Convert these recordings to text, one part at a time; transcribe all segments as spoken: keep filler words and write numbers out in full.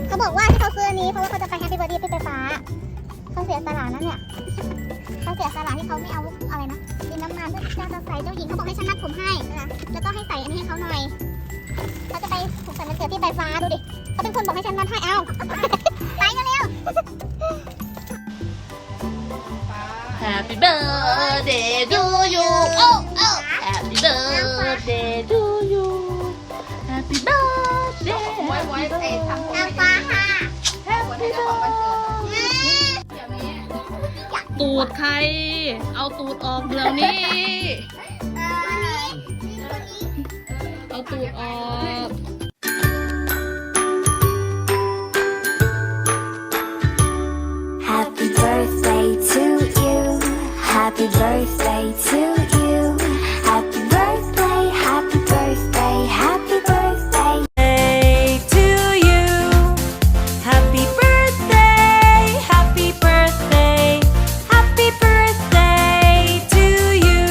เขาบอกว่าที่เขาซื้ออันนี้เพราะว่าเขาจะไปแฮปปี้เบิร์ดเดย์พี่ไฟฟ้าเขาเสียสละนั่นเนี่ยเขาเสียสละที่เขาไม่เอาอะไรนะดินน้ำมันเพื่อจะใส่เจ้าหญิงเขาบอกให้ฉันมัดผมให้นะแล้วก็ให้ใส่อันนี้ให้เขาหน่อยเขาจะไปผูกใส่มันเกิดพี่ไฟฟ้าดูดิเขาเป็นคนบอกให้ฉันมัดให้เอาไปกันเร็ว Happy birthday to you oh oh Happy birthday to you Happy birthday ไว้ไว้ไอ้ทำนางฟ้าค่ะคนที่เจ้าของวันเกิดอย่างนี้ตูดใคร เอาตูดออกเดี๋ยวนี้ เอาตูดออก Happy birthday to you. Happy birthday to you. Happy birthday, happy birthday, happy birthday to you. Happy birthday, happy birthday, happy birthday to you.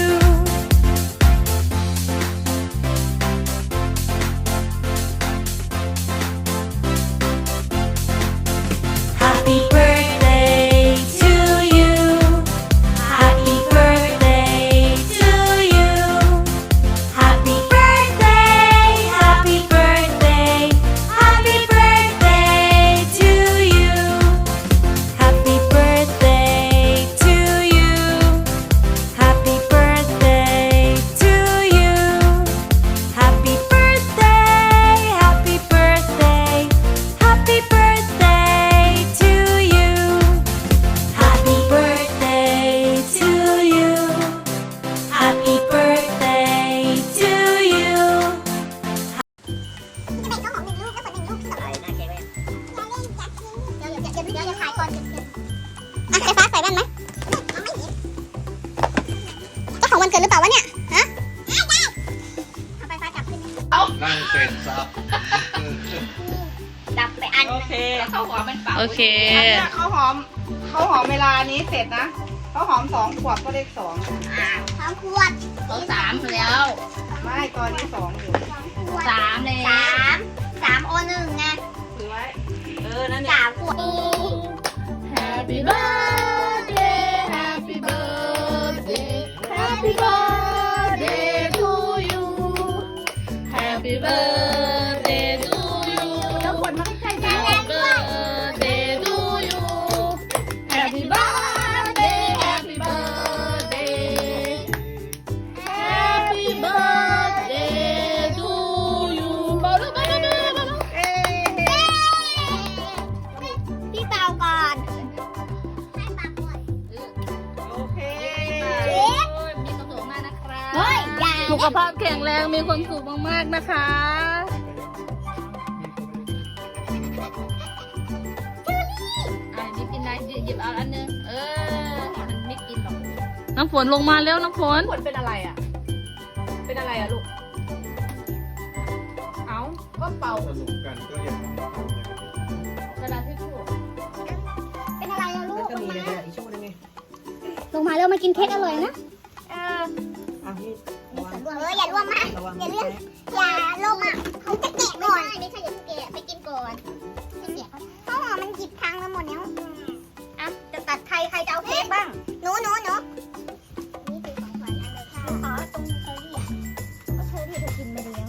Happy birthday to you. Happy birthday to you. Happy birthday, happy birthday, happy birthday to you. Happy birthday to you. Happy birthday to you. Happy birthday, happy birthday, happy birthday to you. Happy birthday to you. Happy birthday to you. จะแบ่งข้าวหอมหนึ่งลูกแล้วผลหนึ่งลูกอะไรน่าเกลียดเลยอย่าเล่นอย่าทิ้งเดี๋ยวเดี๋ยวเดี๋ยวเดี๋ยวจะถ่ายก่อนเดี๋ยวเดี๋ยวอ่ะไฟฟ้าใส่แว่นไหมเอาไม่เห็นเจ้าของวันเกิดหรือเปล่าวะเนี่ยฮะได้ได้เอาไฟฟ้าจับขึ้นนั่งเสร็จสับจับไปอันโอเคข้าวหอมมันเป่าโอเคอันเนี้ยข้าวหอมข้าวหอมเวลานี้เสร็จนะข้าวหอมสองขวบก็เลขสองสองขวดเขาสามแล้วไม่ตอนนี้สองอยู่สองขวดสามแล้สาว มสามโอหนึ่งไงถือไว้เออนั่นเนี่ยสามขวด Happy birthday Happy birthday Happy birthday to you Happy birthday to you แล้วขวดมันใกล้ๆ Happy birthday to you Happy birthday Happy birthday Happy birthday to you เบาๆเบาๆเบาๆเบาๆเอ๊ะพี่เปาก่อนให้ปากก่อนโอเคมีความสุขมากนะครับเฮ้ยอย่าสุขภาพแข็งแรงมีความสุขมากๆนะคะอ่ะมิกกินได้หยิบเอาอันนึงเออมันไม่กินหรอกน้ำฝนลงมาแล้วน้ำฝนผลเป็นอะไรอ่ะ เป็นอะไรอ่ะลูก เอ้าก็เป่าสนุกกันก็อย่าทำอย่างนี้กระดาษทิชชู่เป็นอะไรอะลูกก็มีในกระดาษทิชชู่นั่นไงลงมาแล้วมากินเค้กอร่อยนะ เอออ่ะนี่วางเอออย่าร่วงมากระวังอย่าเลื่อนอย่าลงอ่ะเขาจะแกะก่อนไม่ใช่อย่าเพิ่งแกะไปกินก่อนจะแกะข้าวหอมมันหยิบพังมาหมดแล้วอ่ะจะตัดใครใครจะเอาเค้กบ้างหนูหนูหนูนี่คือของขวัญอันเลยค่ะขอตรงเชอรี่อ่ะเพราะเชอรี่เธอกินไปแล้ว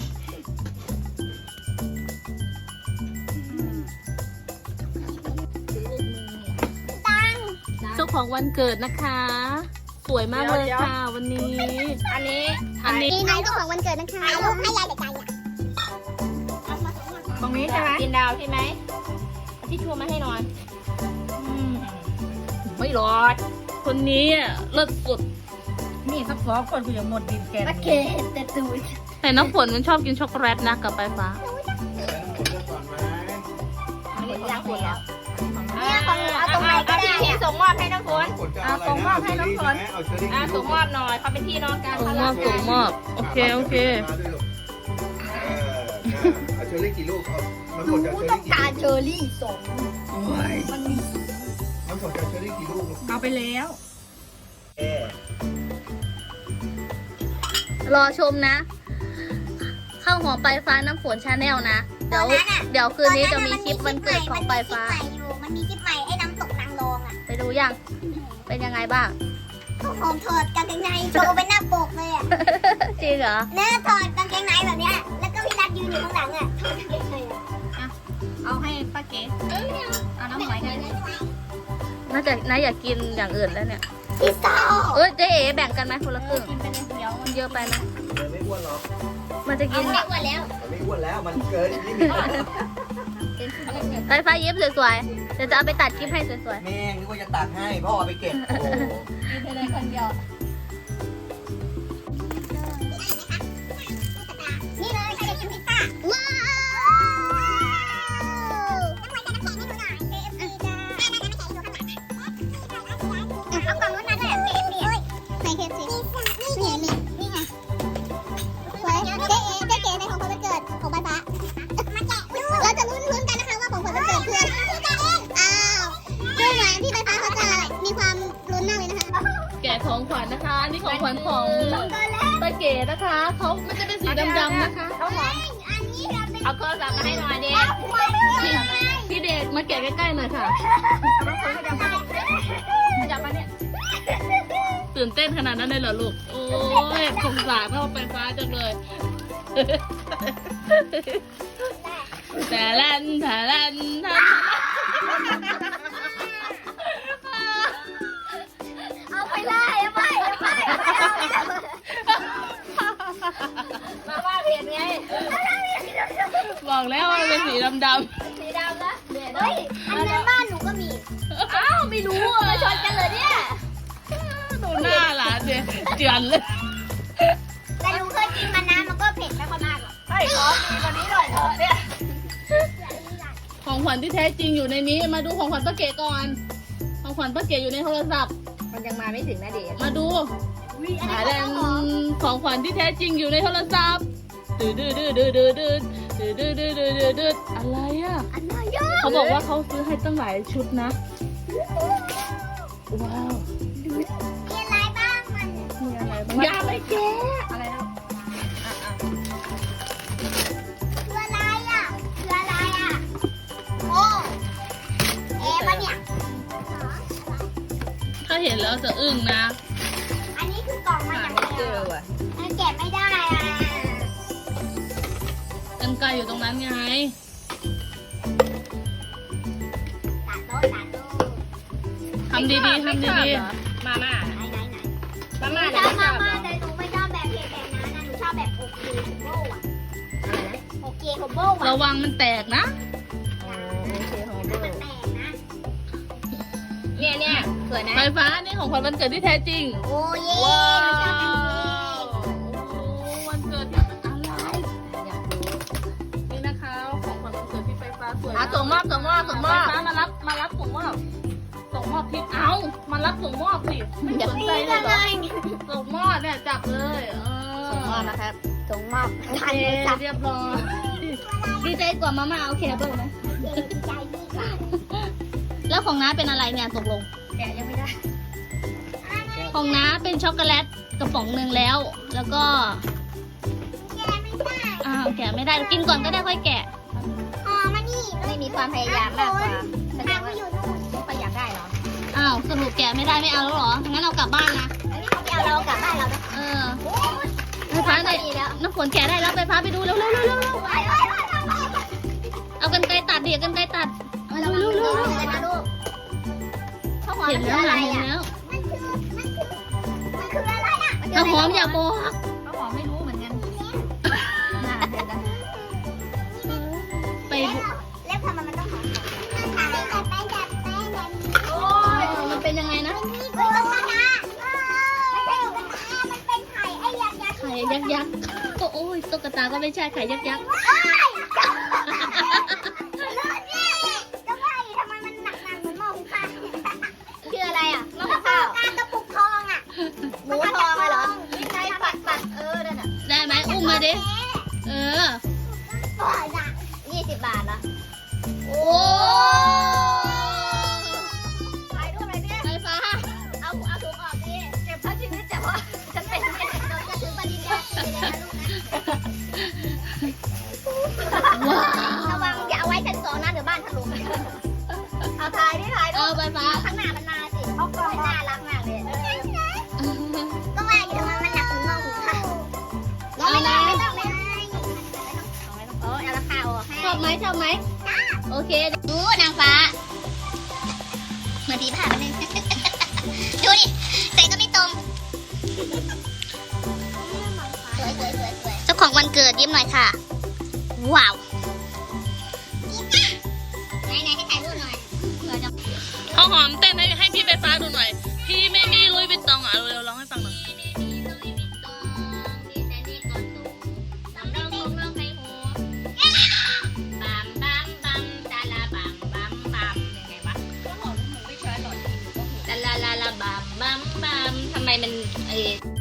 ตังเจ้าของวันเกิดนะคะ สวยมากเลยค่ะวันนี้อันนี้อันนี้นี่น้องเจ้าของวันเกิดนะคะให้ลูกให้ยายเด็กใจอ่ะตรงนี้ใช่ไหมกินดาวใช่ไหมเอาทิชชู่มาให้หน่อยอืมไม่รอด คนนี้อ่ะเลิศสุดนี่สักสองคนกูยังหมดดินแกนโอเคแต่ตูดแต่น้ำฝนมันชอบกินช็อกโกแลตนะกับไฟฟ้าอันนี้ของคนแล้วเนี่ยของหนูเอาตรงไหนก็ได้พี่อะส่งมอบให้น้ำฝนอ่ะส่งมอบให้น้องฝนเอาเชอรี่อ่ะส่งมอบหน่อยเขาเป็นพี่น้องกันส่งมอบส่งมอบโอเคโอเคมาด้วยลูกเออเอาเชอรี่กี่ลูกเอาน้ำฝนจะเอาเชอรี่กี่กาลูกเชอรี่สองมันมีน้ำฝนจะเอาเชอรี่กี่ลูกลูกเอาไปแล้วเออรอชมนะ ข้าวหอมปลายฟ้าน้ำฝนชาแนลนะเดี๋ยวตอนนั้นอะเดี๋ยวคืนนี้จะมีคลิปวันเกิดของปลายฟ้ามันมีคลิปใหม่อยู่มันมีคลิปใหม่ไอ้น้ำตกนางรองอ่ะไปดูยัง เป็นยังไงบ้างก็หอมถอดกางเกงในโชว์เป็นหน้าปกเลยอ่ะจริงเหรอเนื้อถอดกางเกงในแบบเนี้ยแล้วก็พี่นัทยืนอยู่ข้างหลังอ่ะถอดกางเกงในอ่ะเอาให้ป้าเก๋เอาน้ำหอยกันน่าจะน่าอยากกินอย่างอื่นแล้วเนี่ยพี่สาวเอ้ยเจ๊เอ๋แบ่งกันไหมคนละครึ่งกินไปในเดียวมันเยอะไปไหมมันไม่อ้วนหรอกมันจะกินไม่อ้วนแล้วมันไม่อ้วนแล้ว มันเกินลิมิตแล้วไฟฟ้าเย็บสวยๆ เดี๋ยวจะเอาไปตัดคลิปให้สวยแม่งนึกว่าจะตัดให้พ่อเอาไปเก็บ โอ้โหกินไปในคนเดียวนี่เลยใครจะกินพิซซ่าว้าวน้ำมันจะน้ำแข็งให้หนูหน่อย เค เอฟ ซี จ้าน้ำแข็งอยู่ข้างหลังนะเอากล่องนู้นมาด้วย เค เอฟ ซี เฮ้ยไหน เค เอฟ ซี นี่นี่นี่ไงสวยเจ๊เอ๋เจ๊เก๋ในของขวัญวันเกิดของใบฟ้ามาแกะเราจะลุ้นลุ้นกันนะคะว่าของขวัญวันเกิดคืออะไรอ้าวดูเหมือนที่ใบฟ้าเขาจะมีความลุ้นมากเลยนะคะๆ แกะของขวัญนะคะ นี่ของขวัญของป้าเก๋นะคะ เขามันจะเป็นสีดำๆนะคะเขาหอมอันนี้เราเป็นเอาโทรศัพท์มาให้หน่อยเด็กพี่เด็กมาแกะใกล้ๆหน่อยค่ะจับมาเนี่ยตื่นเต้นขนาดนั้นเลยเหรอลูก โอ้ยสงสารเข้าไปฟ้าจังเลย แต่ลันแต่ลันแต่เอาไปเลยเอาไปเอาไปมาว่าเพียนไงบอกแล้วว่ามันเป็นสีดำสีดำนะเดี๋ยวเฮ้ยอันนั้นบ้านหนูก็มีๆ อ้าวไม่รู้อ่ะชนกันเลยเนี่ยดูหน้าหลานเจียเจือนเลยแต่หนูเคยกินมานะมันก็เผ็ดไม่ค่อยมากหรอกไอ้ขอดีกว่านี้หน่อยเถอะเนี่ยของขวัญที่แท้จริงอยู่ในนี้ มาดูของขวัญป้าเก๋ก่อน ของขวัญป้าเก๋อยู่ในโทรศัพท์มันยังมาไม่ถึงนะเด็กมาดูวิอันหานี้แดงของขวัญที่แท้จริงอยู่ในโทรศัพท์ดืดดืดดืดดืดดืดดืดดืดดืดดืดดืดดืดอะไรอ่ะอันนี้เยอะเขาบอกว่าเขาซื้อให้ตั้งหลายชุดนะ ว้าวมีอะไรบ้างมันมีอะไรบ้างอย่าไปแกะอะไรนะคืออะไรอ่ะคืออะไรอ่ะโอ้เอ๊ะมันเนี่ยถ้าเห็นแล้วจะอึ้งนะอันนี้คือกล่องมาอย่างเจเดียวอว่ะอันแกะไม่ได้อ่ะกันไกลอยู่ตรงนั้นไงตัดโต๊ะตัดโต๊ะทำดีๆทำดีมาม่าไหนไหนไหนมาม่าชเนี่ยอบไม่ชมาอบเหรม่าอแต่หนูไม่ชอบแบบเผ็ดแบบนั้นนะหนูชอบแบบโอเคโคโบ้อะอะไรนะโอเคโคโบ้ๆอะระวังมันแตกนะโอ้โอเคโฮเบอมันร์แตกนะเนี่ยเนี่ยสวยนะไฟฟ้านี่ของขวัญวันเกิดที่แท้จริงโอ้เย่ว้าหนูชอบแบบนี้วโอ้วันเกิดที่อะไรอยากรู้นี่นะคะของขวัญวันเกิดที่ไฟฟ้าสวยอ่ะส่งมอบส่งมอบส่งมไฟอบฟ้ามารับมารับส่งมอบส่งมอบทิปเอามารับส่งมอบสิไม่สนใจเลยเหรอส่งมอบเนี่ยจับเลยเออส่งมอบนะครับส่งมอบโอเคเรียบร้อยดีใจกว่ามาม่าเอาเคเบิลไหมเก๋ใจดีกว่าแล้วของน้าเป็นอะไรเนี่ยตกลงแกะยังไม่ได้ของน้าเป็นช็อกโกแลตกระป๋องหนึ่งแล้ว แล้วก็แกะไม่ได้อ้าวแกะไม่ได้กินก่อนก็ได้ค่อยแกะอ๋อมานี่ไม่มีความพยายามมากกว่าแสดทาง งว่ามาอยู่นู่นไม่ค่อยอยากได้เหรออ้าวสรุปแกะไม่ได้ไม่เอาแล้วเหรองั้นเอากลับบ้านนะอันนี้เขาไปเอาเรากลับบ้านเรานะเออไฟฟ้าในน้ำฝนแกะได้แล้วไฟฟ้าไปดูเร็วเร็วเร็วเร็วเร็วไปไปไปไปไปเอากันไกลตัดเดี๋ยวกันไกลตัดเอาเร็วเร็วเร็วเร็วเลยนะลูกข้าวหอมเห็มัน นคือแล้วอะไรเห็นอ่ะแล้วมันคือมันคือมันคืออะไรอ่ะน้ำหอมอย่าบอกเขาบอกไม่รู้เหมือนกันน่าเห็นแล้วไปแล้วทำไมมันต้องหอมมันทำให้แบบแป้งแบบแป้งแบบนี้โอ้ยมันเป็นยังไงนะนี่คือตุ๊กตาไม่ใช่ตุ๊กตามันเป็นไข่ไอ้ยักษ์ยักษ์ไข่ยักษ์ยักษ์ก็โอ้ยตุ๊กตาก็ไม่ใช่ไข่ยักษ์ยักษ์โอ้ยรอดเนี่ยจะว่าอยู่ทำไมมันหนักหนักเหมือนหม้อหุงข้าวคืออะไรอ่ะมะกระพร้าวการกระปุกทองอ่ะหมูทองเหรอไม่ใช่ปัดปัดเออนั่นน่ะได้ไหมอุ้มมาดิเออปล่อยอ่ะยี่สิบบาทเหรอโอ้ถ่ายรูปอะไรเนี่ยไฟฟ้าเอาเอาถุงออกดิเก็บทั้งชีวิตแต่ว่าฉันเป็นแม่เราจะถึงปริญญาตรีเลยนะลูกนะชอบไหมโอเคดูนางฟ้าเหมือนผีผ่าไปเลย ดูดิใส่ก็ไม่ตรงสวยสวยสวยสวยเจ้าของวันเกิดยิ้มหน่อยค่ะ ว้าวไหนไหนให้ถ่ายรูปหน่อยเผื่อจะข้าวหอมเต้นให้ให้พี่ไฟฟ้าดูหน่อย พี่ไม่มีลุยวิตตองอ่ะเร็วๆร้องให้ฟังหน่อย ลาลาลาบัมบัมบัมทำไมมันเอ